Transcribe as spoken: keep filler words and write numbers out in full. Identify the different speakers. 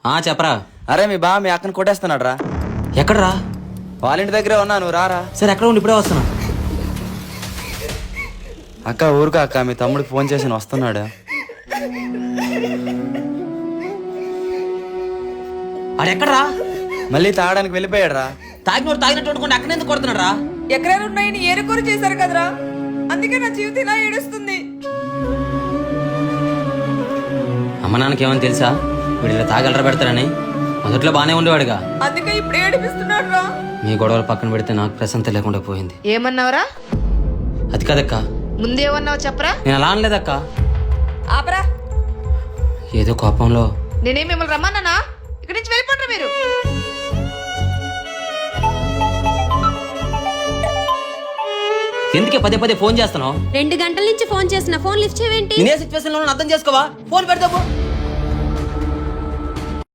Speaker 1: ఆ చెప్పరా.
Speaker 2: అరే మీ బా మీ అక్కని కొట్టేస్తున్నాడు రా.
Speaker 1: ఎక్కడరా?
Speaker 2: వాళ్ళ ఇంటి దగ్గరే ఉన్నా, నువ్వు రారా.
Speaker 1: సరే ఎక్కడ ఉండి ఇప్పుడే వస్తున్నా.
Speaker 2: అక్క ఊరుకా అక్క, మీ తమ్ముడికి ఫోన్ చేసి వస్తున్నాడు.
Speaker 1: ఆడెక్కడరా?
Speaker 2: మళ్ళీ తాగడానికి వెళ్ళిపోయాడు రా.
Speaker 1: తాగినోడు తాగినట్టు వండుకుంటే అక్కడ ఎందుకు కొడుతున్నాడు రా?
Speaker 3: ఎక్కడైనా ఉన్నాయని ఏరుకోరు చేశారు కదరా, అందుకే నా జీవితం ఇలా ఏడుస్తుంది.
Speaker 1: అమ్మ నాన్నకి ఏమని తెలుసా వీడు ఇలా తాగలరా పెడతారని? మొదట్లో బానే ఉండేవాడుగా,
Speaker 3: అందుకే ఇప్పుడు ఏడిపిస్తున్నాడు రా.
Speaker 1: మీ గొడవలు పక్కన పెడితే నాకు ప్రశాంతత లేకుండా పోయింది.
Speaker 4: ఏమన్నావురా?
Speaker 1: అది కాదక్క,
Speaker 4: ముందేమన్నావు చెప్పరా?
Speaker 1: నేను అలా అనలేదక్క.
Speaker 3: ఆపరా.
Speaker 1: ఏదో కోపంలో.
Speaker 4: నేనేం మిమ్మల్ని రమ్మన్నానా? ఇక్కడి నుంచి వెళ్ళిపోండి మీరు.
Speaker 1: ఎందుకే పదే పదే ఫోన్ చేస్తున్నావు?
Speaker 5: రెండు గంటల నుంచి ఫోన్ చేసిన ఫోన్ లిఫ్ట్ చేయవేంటి?
Speaker 1: నేనే సిచ్యువేషన్ లో అర్థం చేసుకోవా? ఫోన్ పెడతావు.